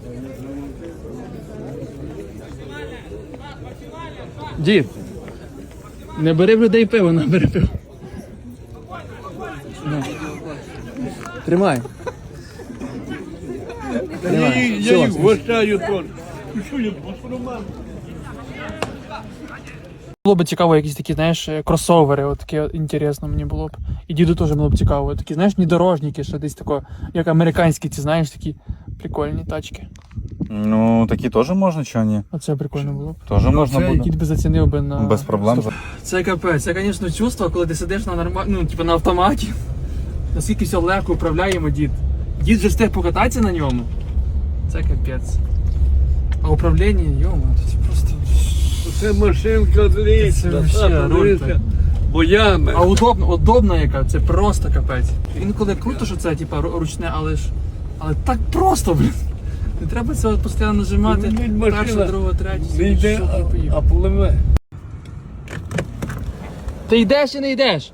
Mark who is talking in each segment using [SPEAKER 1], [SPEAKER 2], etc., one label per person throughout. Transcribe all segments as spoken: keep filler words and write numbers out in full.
[SPEAKER 1] Дід, не бери в людей пиво, не бери пиво. На. Тримай. Тримай.
[SPEAKER 2] Я їх вважаю теж. Що я посромав?
[SPEAKER 1] Було б цікаво, якісь такі, знаєш, кросовери, от таке от, інтересно мені було б. І діду теж було б цікаво. Такі, знаєш, недорожники, що десь тако, як американські, ці, знаєш, такі прикольні тачки.
[SPEAKER 3] Ну, такі теж можна, чого ні?
[SPEAKER 1] Оце прикольно було б.
[SPEAKER 3] Теж можна
[SPEAKER 1] Це
[SPEAKER 3] буде.
[SPEAKER 1] дід би зацінив би на...
[SPEAKER 3] Без проблем.
[SPEAKER 1] Це капець, це, звісно, чувство, коли ти сидиш на норма... ну, типу, на автоматі. Наскільки все легко управляємо, дід. Дід же встиг покататися на ньому. Це капець. А управління, йома, це просто...
[SPEAKER 2] Це машинка
[SPEAKER 1] Це
[SPEAKER 2] зліця,
[SPEAKER 1] вообще руль так.
[SPEAKER 2] боями.
[SPEAKER 1] А удобно, удобна яка, це просто капець. Інколи круто, що це типа ручне, але ж. Але так просто, блін. Не треба це от постійно нажимати.
[SPEAKER 2] Ну,
[SPEAKER 1] Перша, друга, третя.
[SPEAKER 2] Не
[SPEAKER 1] собі
[SPEAKER 2] йде,
[SPEAKER 1] щупай,
[SPEAKER 2] а,
[SPEAKER 1] поїхав.
[SPEAKER 2] а пливе.
[SPEAKER 1] Ти йдеш чи не йдеш?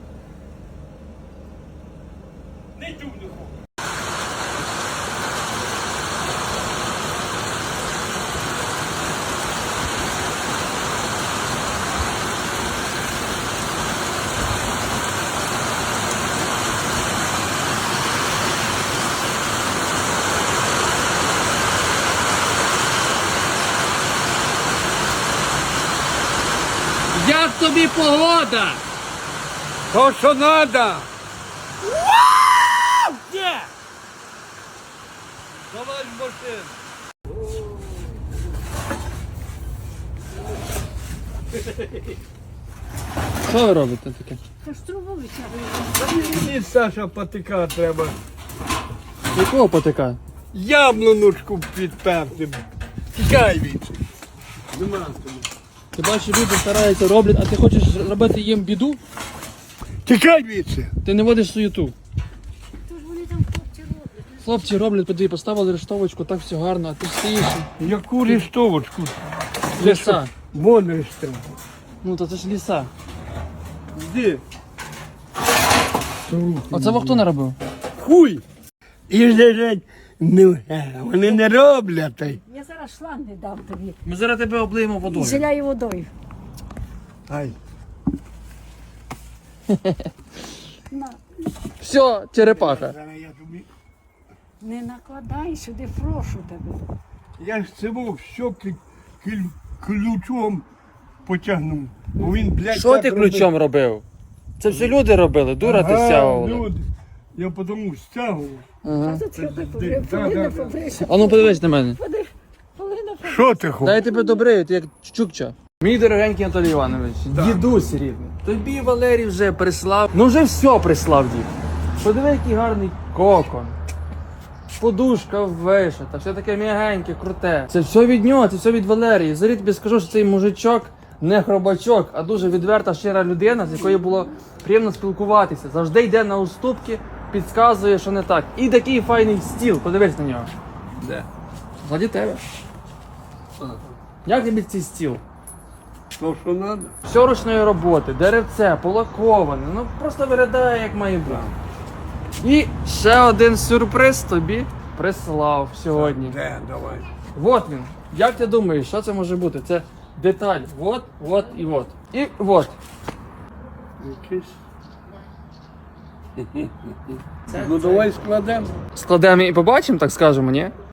[SPEAKER 1] Як тобі погода?
[SPEAKER 2] То, що треба.
[SPEAKER 1] Є!
[SPEAKER 2] Давай машину.
[SPEAKER 1] Що ви робите таке?
[SPEAKER 4] Та ж трубу витягує.
[SPEAKER 2] Мені, Саша, патика треба.
[SPEAKER 1] Якого потика?
[SPEAKER 2] Яблуночку підперти. Тікай від. Нема тобі.
[SPEAKER 1] Ти бачиш, люди стараються, роблять, а ти хочеш робити їм біду?
[SPEAKER 2] Тікай від.
[SPEAKER 1] Ти не водиш суєту.
[SPEAKER 4] То ж вони там хлопці роблять.
[SPEAKER 1] Хлопці роблять, подиві, поставили рештовочку, так все гарно, а ти стоїш.
[SPEAKER 2] Яку листовочку?
[SPEAKER 1] Ліса.
[SPEAKER 2] Вон листовку.
[SPEAKER 1] Ну то це ж ліса.
[SPEAKER 2] Де?
[SPEAKER 1] Оце во хто не робив?
[SPEAKER 2] Хуй! І лежать. Ну, е, вони не роблять. та й.
[SPEAKER 4] Я зараз шланг не дам тобі.
[SPEAKER 1] Ми зараз тебе облиємо
[SPEAKER 4] І
[SPEAKER 1] водою.
[SPEAKER 4] зіляю водою.
[SPEAKER 2] Ай.
[SPEAKER 4] На.
[SPEAKER 1] Все, черепаха.
[SPEAKER 2] Зараз я тобі.
[SPEAKER 4] Не накладай сюди, прошу тебе.
[SPEAKER 2] Я ж цього все ки- кіль- ключом потягнув. Бо він, блядь,
[SPEAKER 1] Що
[SPEAKER 2] так
[SPEAKER 1] ти
[SPEAKER 2] робив.
[SPEAKER 1] ключом робив? Це все люди робили, дура ти
[SPEAKER 2] Ага,
[SPEAKER 1] стягувала.
[SPEAKER 2] люди. Я потому стягував.
[SPEAKER 1] Ага.
[SPEAKER 4] А тут тебе
[SPEAKER 2] да,
[SPEAKER 4] побри-
[SPEAKER 2] да,
[SPEAKER 4] полина
[SPEAKER 2] да.
[SPEAKER 4] побрися.
[SPEAKER 1] А ну подивись на мене.
[SPEAKER 4] Поди- Полина побрися.
[SPEAKER 2] Що ти хочеш?
[SPEAKER 1] Дай тебе добрий, ти як чукча. Мій дорогенький Анатолій Іванович, дідусь рідний. Тобі Валерій вже прислав. Ну вже все прислав дід. Подиви, який гарний кокон. Подушка вишита, все таке м'ягеньке, круте. Це все від нього, це все від Валерії. Зарі тобі скажу, що цей мужичок не хробачок, а дуже відверта, щира людина, з якою було приємно спілкуватися. Завжди йде на уступки, підказує, що не так. І такий файний стіл, подивись на нього.
[SPEAKER 2] Де?
[SPEAKER 1] Ззаді тебе. Як тобі цей стіл?
[SPEAKER 2] То, що треба?
[SPEAKER 1] Все ручної роботи, деревце, полаковане, ну просто виглядає як має бути. І ще один сюрприз тобі прислав сьогодні.
[SPEAKER 2] Де, давай.
[SPEAKER 1] Вот він. Як ти думаєш, що це може бути? Це деталь. Вот, вот і вот. І вот.
[SPEAKER 2] Якийсь. Ну давай складемо.
[SPEAKER 1] Складемо і побачимо, так скажемо, ні?